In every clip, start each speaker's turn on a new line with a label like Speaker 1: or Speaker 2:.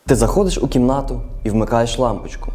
Speaker 1: Ти заходиш у кімнату і вмикаєш лампочку.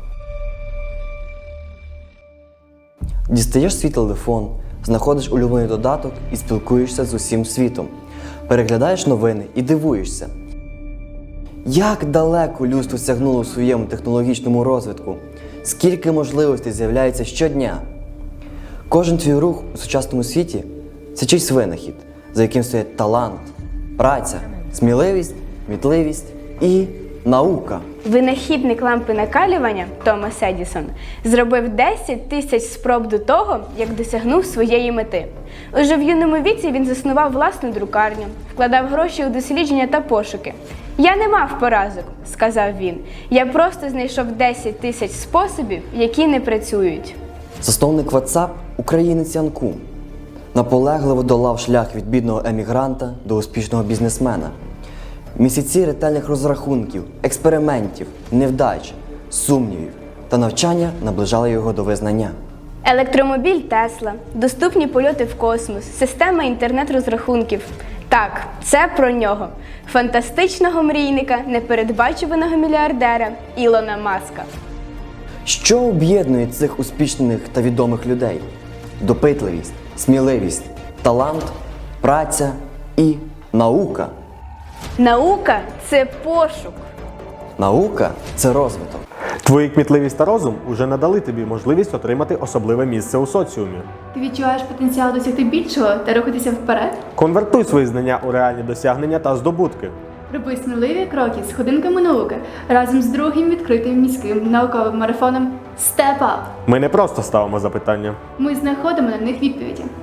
Speaker 1: Дістаєш свій телефон, знаходиш улюблений додаток і спілкуєшся з усім світом. Переглядаєш новини і дивуєшся. Як далеко людство сягнуло у своєму технологічному розвитку? Скільки можливостей з'являється щодня? Кожен твій рух у сучасному світі – це чийсь винахід, за яким стоять талант, праця, сміливість, кмітливість і наука.
Speaker 2: Винахідник лампи накалювання Томас Едісон зробив 10 тисяч спроб до того, як досягнув своєї мети. Уже в юному віці він заснував власну друкарню, вкладав гроші у дослідження та пошуки. «Я не мав поразок», – сказав він. «Я просто знайшов 10 тисяч способів, які не працюють».
Speaker 1: Засновник WhatsApp – українець Ян Кум. Наполегливо долав шлях від бідного емігранта до успішного бізнесмена. Місяці ретельних розрахунків, експериментів, невдач, сумнівів та навчання наближали його до визнання.
Speaker 2: Електромобіль Тесла, доступні польоти в космос, система інтернет-розрахунків. Так, це про нього. Фантастичного мрійника, непередбачуваного мільярдера Ілона Маска.
Speaker 1: Що об'єднує цих успішних та відомих людей? Допитливість, сміливість, талант, праця і наука.
Speaker 2: Наука – це пошук.
Speaker 1: Наука – це розвиток.
Speaker 3: Твої кмітливість та розум уже надали тобі можливість отримати особливе місце у соціумі.
Speaker 4: Ти відчуваєш потенціал досягти більшого та рухатися вперед?
Speaker 3: Конвертуй свої знання у реальні досягнення та здобутки.
Speaker 4: Роби сміливі кроки з ходинками науки разом з другим відкритим міським науковим марафоном Step Up.
Speaker 3: Ми не просто ставимо запитання.
Speaker 4: Ми знаходимо на них відповіді.